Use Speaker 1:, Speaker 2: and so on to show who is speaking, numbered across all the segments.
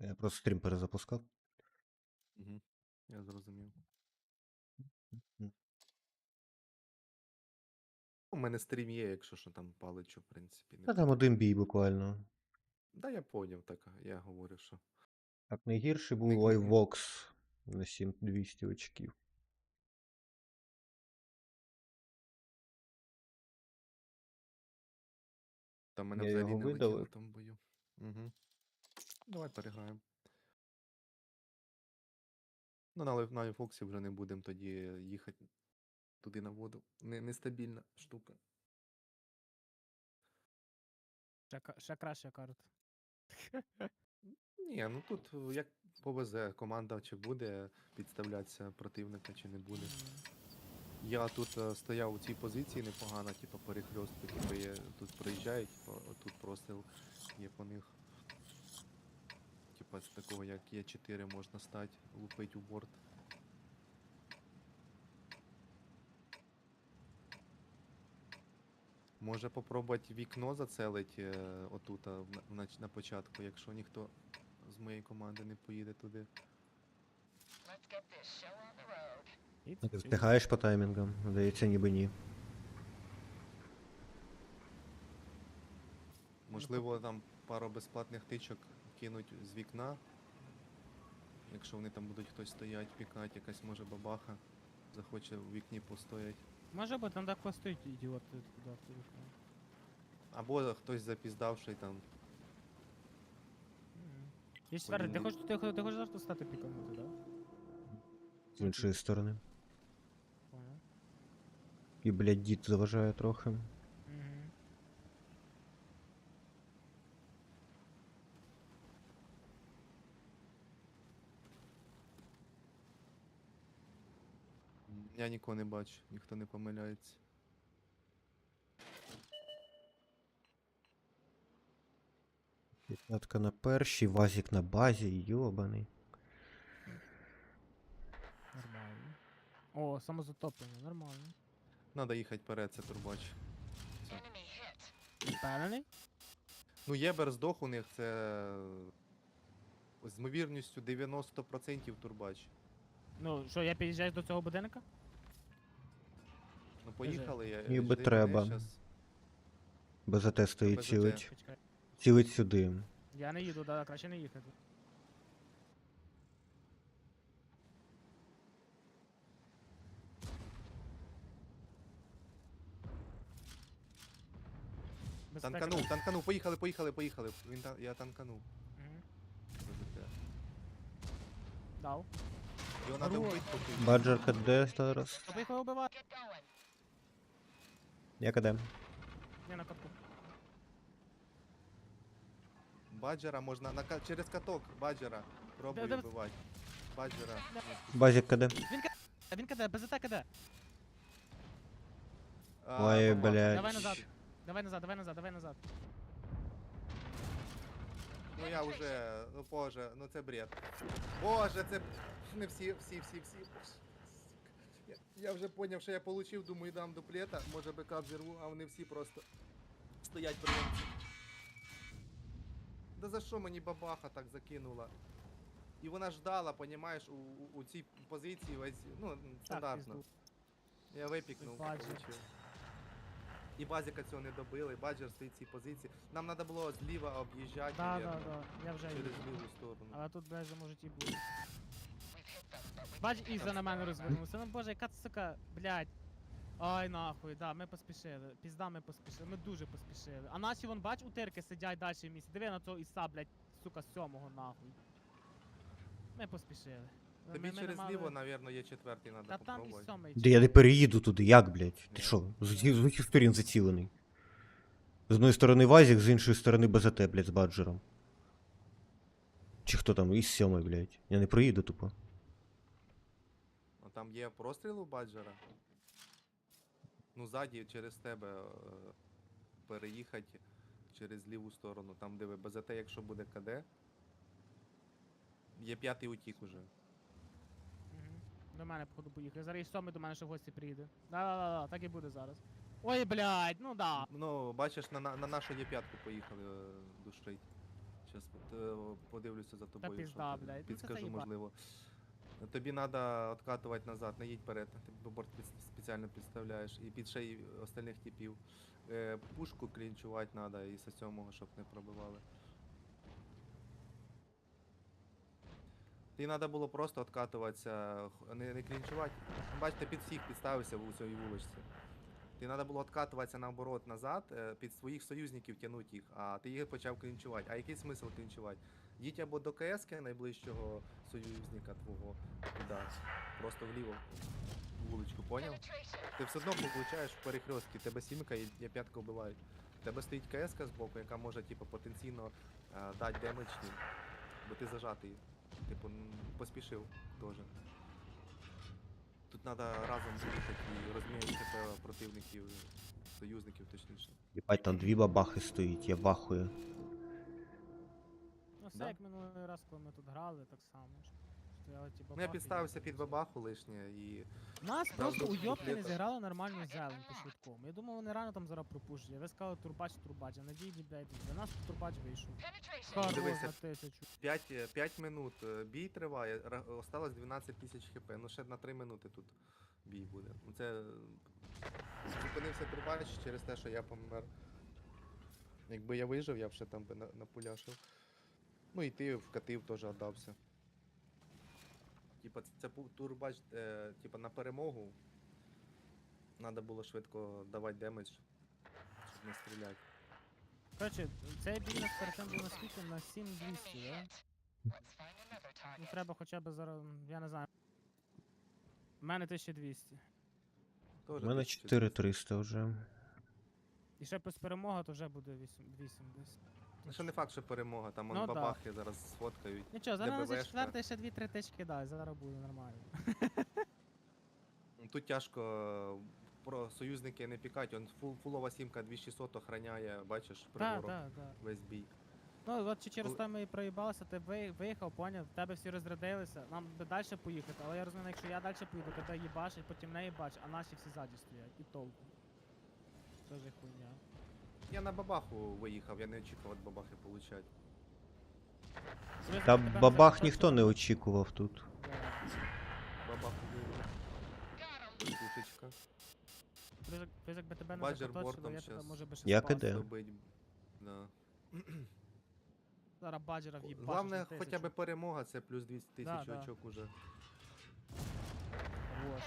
Speaker 1: Я просто стрім перезапускав.
Speaker 2: Угу. Я зрозумів. У мене стрім є, якщо що там паличу, в принципі, не
Speaker 1: Та там
Speaker 2: проти.
Speaker 1: один бій буквально.
Speaker 2: Да, я поняв, так, я говорю, що.
Speaker 1: Так, найгірший
Speaker 2: Не,
Speaker 1: був iVox на 7200 очків.
Speaker 2: Там мене
Speaker 1: Я
Speaker 2: взагалі
Speaker 1: його
Speaker 2: не летіло в
Speaker 1: видалив.
Speaker 2: тому бою. Угу. Давай переграємо. Ну, на Фоксі вже не будемо тоді їхати туди на воду. Нестабільна штука.
Speaker 3: Ще краща карта.
Speaker 2: Ні, ну тут як повезе, команда чи буде підставлятися противника, чи не буде. Я тут стояв у цій позиції непогано, типу перехльостку, типу тут проїжджають, типу, тут простріл є по них. Типа з такого як Е4 можна стати, лупить у борт. Може попробувати вікно зацелить отут на початку, якщо ніхто з моєї команди не поїде туди.
Speaker 1: Ти встигаєш по таймінгам? Здається, ніби ні.
Speaker 2: Можливо, там пару безплатних тичок кинуть з вікна. Якщо вони там будуть хтось стоять, пікати, якась може бабаха захоче в вікні постоять.
Speaker 3: Може бути, там так стоїть ідіот туди.
Speaker 2: Або хтось запіздавший там.
Speaker 3: Є четвертий, ти хочеш завжди стати піканути, так?
Speaker 1: З іншої сторони.
Speaker 3: Понял.
Speaker 1: І, блядь, дід заважає трохи.
Speaker 3: Угу.
Speaker 2: Я нікого не бачу, ніхто не помиляється.
Speaker 1: П'ятка на першій, вазик на базі, йобаний.
Speaker 3: Нормально. О, самозатоплення, нормально.
Speaker 2: Надо їхати вперед, це турбач.
Speaker 3: Впевнений?
Speaker 2: Ну, Єбер здох у них, це з ймовірністю 90% турбач.
Speaker 3: Ну, що, я під'їжджаю до цього будинка?
Speaker 2: Ну поїхали, я
Speaker 1: Ніби
Speaker 2: жди
Speaker 1: треба.
Speaker 2: мене щас.
Speaker 1: БЗТ стоїть,
Speaker 2: БЗТ.
Speaker 1: цілить.
Speaker 3: Почекай.
Speaker 1: Цілить сюди.
Speaker 3: Я не їду, да, краще не їхати.
Speaker 2: Танканув, поїхали. Я танканув.
Speaker 3: Угу.
Speaker 2: БЗТ.
Speaker 3: Дав.
Speaker 2: Його надо
Speaker 3: Хорош.
Speaker 2: вбити поки.
Speaker 1: Баджер КД зараз.
Speaker 3: Тобі їх вибивати?
Speaker 1: Я КД.
Speaker 3: Я на катку.
Speaker 2: Баджера можна через каток, баджера. Пробуй
Speaker 3: Де-
Speaker 2: вбивати. Баджера.
Speaker 1: Базик КД.
Speaker 3: Він киде, БЗТ киде.
Speaker 1: Ой,
Speaker 2: бабаха.
Speaker 1: блядь.
Speaker 3: Давай назад.
Speaker 2: Ну я вже, ну боже, ну це бред. Боже, це не всі. Я вже поняв, що я получив, думаю, дам дуплета, може БК взірву, а вони всі просто стоять прийомці. Да за що мені бабаха так закинула? І вона ждала, понімаєш, у цій позиції весь, ну, стандартно.
Speaker 3: пізду.
Speaker 2: Я випікнув,
Speaker 3: Баджер.
Speaker 2: получив. І базіка цього не добили, баджер стоїть в цій позиції. Нам треба було зліва об'їжджати,
Speaker 3: Да,
Speaker 2: навірно,
Speaker 3: я вже
Speaker 2: через
Speaker 3: їду.
Speaker 2: ліву сторону.
Speaker 3: Але тут даже можуть і бути. Бач, Іза на мене розвернувся. Ну боже, яка сука, блядь. Ай нахуй, да, ми поспішили. Пізда, ми поспішили. Ми дуже поспішили. А наші вон, бач, утирки сидять далі в місці. Диви на цього Іса, блядь, сука, з сьомого нахуй. Ми поспішили.
Speaker 2: Тобі
Speaker 3: Ми
Speaker 2: через
Speaker 3: не мали-
Speaker 2: ліво, навірно, є четвертий,
Speaker 3: Та
Speaker 2: треба
Speaker 3: там і
Speaker 2: попробувати.
Speaker 3: сьомий.
Speaker 1: Де я не переїду туди, як, блядь? Ти
Speaker 2: Ні.
Speaker 1: що, з усіх сторін зацілений? З одної сторони Вазик, з іншої сторони БЗТ, блядь, з баджером. Чи хто там, із сьомий, блядь. Я не проїду тупо.
Speaker 2: А там є простріл у баджера? Ну, ззаді через тебе переїхати через ліву сторону, там де ви БЗТ, якщо буде КД. Є п'ятий утік уже.
Speaker 3: Мгм. До мене, походу, поїхав. Зараз і сьомий до мене ще в гості приїде. Да, так і буде зараз. Ой, блядь, ну да.
Speaker 2: Ну, бачиш, на нашу є п'ятку поїхали душить. Щас подивлюся за тобою. що
Speaker 3: пізда,
Speaker 2: ти-
Speaker 3: блядь, ну це
Speaker 2: Підскажу,
Speaker 3: заїба.
Speaker 2: можливо. Тобі треба откатувати назад, не їдь вперед. Ти борт спеціально підставляєш. І під шеї остальних типів. Пушку клінчувати треба і з 7-го, щоб не пробивали. Тобі треба було просто откатуватися, не клінчувати. Бачите, під всіх підставився в цій вуличці. Ти треба було откатуватися наоборот назад, під своїх союзників тягнути їх, а ти їх почав клінчувати. А який смисл клінчувати? Їдь або до КС найближчого союзника твого туди, просто вліво вуличку, поняв? Ти все одно получаєш в перехрестки, тебе сімка і п'ятка вбивають. У тебе стоїть КС збоку, яка може типу, потенційно дати демедж їм, бо ти зажатий. Типу, поспішив теж. Тут треба разом їхати і розміняти ХП противників, союзників точніше.
Speaker 1: Єбать, там 2 бабахи стоїть, я вахую.
Speaker 3: Ну все
Speaker 2: Да.
Speaker 3: як минулий раз, коли ми тут грали, так само. Стояли ті
Speaker 2: Ну я
Speaker 3: бабахи,
Speaker 2: підставився
Speaker 3: їхали
Speaker 2: під
Speaker 3: всі.
Speaker 2: бабаху лишнє і
Speaker 3: Нас
Speaker 2: Там
Speaker 3: просто
Speaker 2: до
Speaker 3: уйобки не
Speaker 2: дуплета.
Speaker 3: зіграли нормально зелень по швидкому. Я думав, вони рано там зараз пропушать. Ви сказали турбач, а надійні, блядь, для нас турбач вийшов. Хорош
Speaker 2: Дивися.
Speaker 3: на 1000.
Speaker 2: 5 минут бій триває, осталось 12 тисяч хп. Ну ще на 3 минути тут бій буде. Ну це зупинився турбач через те, що я помер. Якби я вижив, я б ще там би напуляшив. Ну і ти вкатив теж отдався. Типа це турбач, типа на перемогу. Надо було швидко давати демедж, щоб не стріляти.
Speaker 3: Коротше, цей бій нас перед тим був наскільки на 7200, да? Ну треба хоча б зараз, я не знаю. У мене 1200.
Speaker 2: Тоже
Speaker 1: У мене
Speaker 2: 1200.
Speaker 1: 4300 вже.
Speaker 3: І ще плюс перемога, то вже буде 8 десь.
Speaker 2: Ну, ще не факт, що перемога, там
Speaker 3: Ну
Speaker 2: ну,
Speaker 3: да.
Speaker 2: бабахи зараз сфоткають.
Speaker 3: Нічого, зараз на
Speaker 2: ДБВшка.
Speaker 3: 4 ще 2-3 тички дай, зараз буде нормально.
Speaker 2: Ну, тут тяжко про союзники не пікать, он фулова сімка 2600 охраняє, бачиш,
Speaker 3: Так,
Speaker 2: прибором
Speaker 3: так, так.
Speaker 2: весь бій.
Speaker 3: Ну, от чи через
Speaker 2: Коли-
Speaker 3: те ми і проїбалися, ти виїхав, поняв, в тебе всі розрядилися, нам би далі поїхати, але я розумію, якщо я далі поїду, тебе їбашить, потім не їбач, а наші всі ззаді стоять, і толку. Це ж хуйня.
Speaker 2: Я на бабаху виїхав, я не очікував від бабахи получать.
Speaker 1: Та бабах ніхто не очікував тут.
Speaker 2: Бабаху виїхав. Пушечка.
Speaker 3: Плюс якби тебе не
Speaker 2: Баджер
Speaker 3: закоточило,
Speaker 2: бортом
Speaker 3: я тебе
Speaker 2: щас.
Speaker 3: може би ще
Speaker 1: Я
Speaker 3: спас.
Speaker 1: кидаю.
Speaker 2: Добить. Да.
Speaker 3: Зараз баджера в'їбашиш
Speaker 2: Главне,
Speaker 3: на
Speaker 2: хоча
Speaker 3: 1000.
Speaker 2: б перемога, це плюс 200 тисяч
Speaker 3: Да, да.
Speaker 2: очок уже.
Speaker 3: Хорош.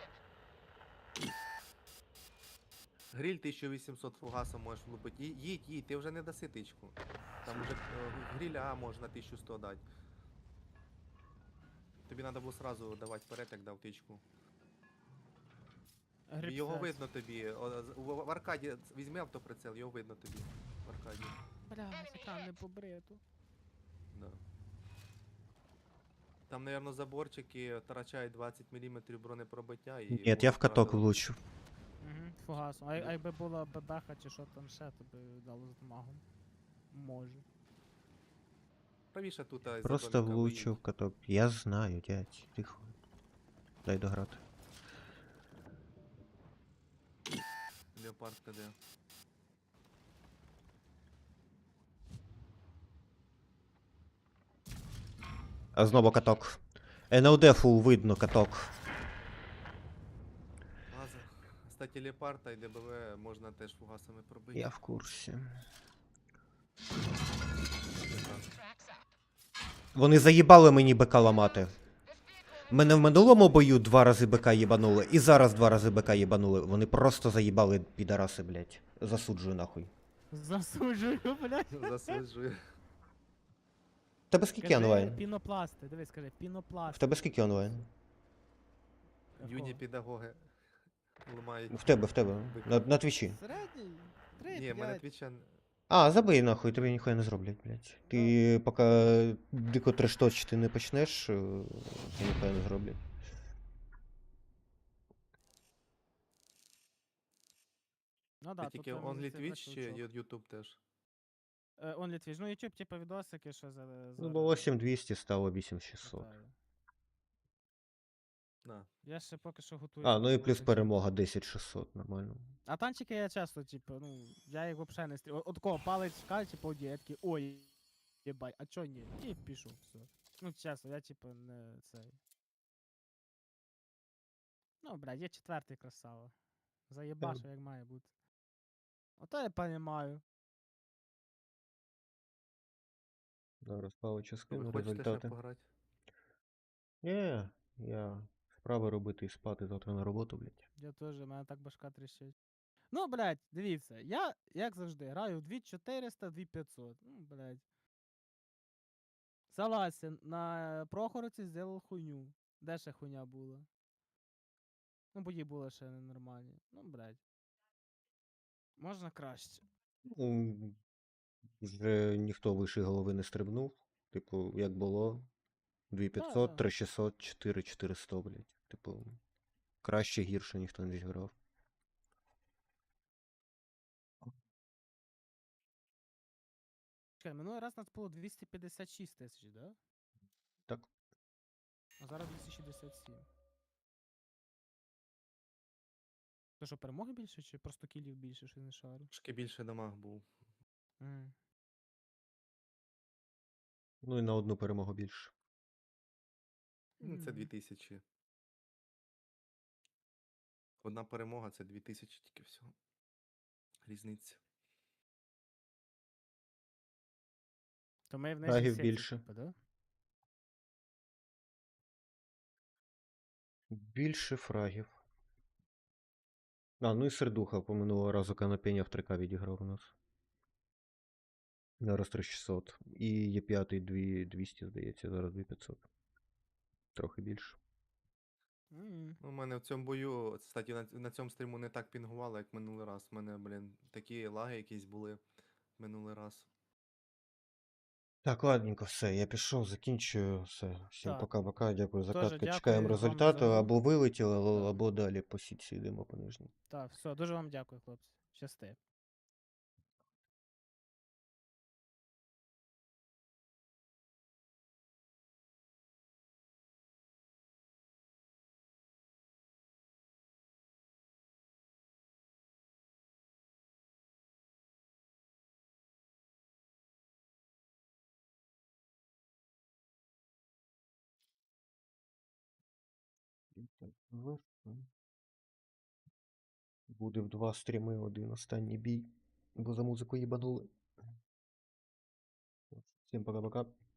Speaker 2: Гриль 1800 фугасом можеш влупити. Їдь, ти вже не даси тичку. Там уже гриля А можна 1100 дати. Тобі треба було сразу давати вперед, як дав тичку.
Speaker 3: Гриб
Speaker 2: Його
Speaker 3: сець.
Speaker 2: видно тобі. В аркаді візьми автоприцел, його видно тобі. В аркаді.
Speaker 3: Бля, екран не побриту.
Speaker 2: Да. Там, наверное, заборчики втрачають 20 мм бронепробиття і.
Speaker 1: Ні, я в
Speaker 2: можуть
Speaker 1: каток
Speaker 2: одразу-
Speaker 1: влучу.
Speaker 3: Угу, фугасом. А якби була бебеха чи що там ще, то би дало з дамагом. Може.
Speaker 2: Правіше тут із-за
Speaker 1: Просто
Speaker 2: домика
Speaker 1: влучу в
Speaker 2: виїдь.
Speaker 1: каток. Я знаю, дядь. Тихо. Дай дограти.
Speaker 2: Леопард КД.
Speaker 1: А знову каток. НЛД фул видно каток.
Speaker 2: Газа. Кстати, Леопарда і ДБВ можна теж фугасами пробити.
Speaker 1: Я в курсі. Вони заїбали мені БК ламати. Мене в минулому бою 2 рази БК їбанули, і зараз 2 рази БК їбанули. Вони просто заїбали підараси, блядь. Засуджую нахуй.
Speaker 3: Засуджую, блядь.
Speaker 2: Засуджую.
Speaker 1: В тебе скільки онлайн?
Speaker 3: Пінопласти, дивись, скажи, пінопласти.
Speaker 1: В тебе скільки онлайн?
Speaker 2: Юні педагоги ламають.
Speaker 1: В тебе. На твічі.
Speaker 3: Середній? Три,
Speaker 2: Ні, в мене
Speaker 3: п'ять.
Speaker 2: твіча.
Speaker 1: А, забий нахуй, тобі ніхуя не зроблять, блядь. Ти поки дико трешточити не почнеш, тобі ніхуя не зроблять.
Speaker 3: Ну
Speaker 2: Ти
Speaker 3: да,
Speaker 2: тільки
Speaker 3: тут
Speaker 2: Only Twitch чи YouTube теж?
Speaker 3: Only Twitch. Ну, YouTube, типа, відосики, що за...
Speaker 1: Ну, було 7200, стало 8600.
Speaker 2: На.
Speaker 3: Я ще поки що готую.
Speaker 1: А, ну і
Speaker 3: свого
Speaker 1: плюс
Speaker 3: YouTube.
Speaker 1: перемога 10600, нормально.
Speaker 3: А танчики я часто, типу, ну, я їх взагалі не стріляю. От кого палець в кальці, по я такий, ой, Єбать, а чо ні? І пішов, все. Ну, чесно, я типу не цей. Ну, блядь, є четвертий красава. Заєбашу, як має бути. Ото я понімаю.
Speaker 1: Зараз палича
Speaker 2: Ви
Speaker 1: скину
Speaker 2: хочете ще
Speaker 1: результати.
Speaker 2: пограти?
Speaker 1: Ні, я справи робити і спати завтра на роботу, блядь.
Speaker 3: Я теж, у мене так башка тріщить. Ну, блядь, дивіться, я, як завжди, граю в 2400, 2500. Ну, блядь. Согласен, на Прохоровці зробив хуйню. Де ще хуйня була? Ну, бої були ще ненормальні. Ну, блядь. Можна краще.
Speaker 1: Ну, вже ніхто вище голови не стрибнув. Типу, як було.
Speaker 3: Да,
Speaker 1: 2500,
Speaker 3: да.
Speaker 1: 3600, 4400, блядь. Типу, краще гірше ніхто не зіграв.
Speaker 3: Чекай, минулий раз у нас було 256 тисяч, да?
Speaker 1: Так.
Speaker 3: А зараз 267. То що, перемоги більше, чи просто кілів більше, що не шарю?
Speaker 2: Трошки більше дамаг був.
Speaker 3: Мгм.
Speaker 1: Ну і на одну перемогу більше.
Speaker 2: Ну, це
Speaker 3: Мгм.
Speaker 2: 2000. Одна перемога це 2000 тільки всього. Різниця.
Speaker 3: То ми в нижній
Speaker 1: Фрагів
Speaker 3: сеті,
Speaker 1: більше.
Speaker 3: типу, да?
Speaker 1: Більше фрагів. А, ну і сердуха по минулого разу канапеня в 3К відіграв у нас. Зараз 3600. І є п'ятий 2200, здається, зараз 2500. Трохи більше.
Speaker 3: Мгм.
Speaker 2: Ну, у мене в цьому бою, кстати, на цьому стріму не так пінгувало, як минулий раз. У мене, блін, такі лаги якісь були минулий раз.
Speaker 1: Так, ладненько, все, я пішов, закінчую. Все. Всім
Speaker 3: Так.
Speaker 1: пока-пока, дякую за
Speaker 3: Тоже
Speaker 1: катку.
Speaker 3: дякую
Speaker 1: Чекаємо
Speaker 3: вам
Speaker 1: результати,
Speaker 3: за гру.
Speaker 1: або вилетіли,
Speaker 3: Да.
Speaker 1: або далі по сітці йдемо по нижній.
Speaker 3: Так, все, дуже вам дякую, хлопці. Щасти.
Speaker 1: Так, буде в 2 стріми, один останній бій, бо за музику їбанули. Всім пока-пока.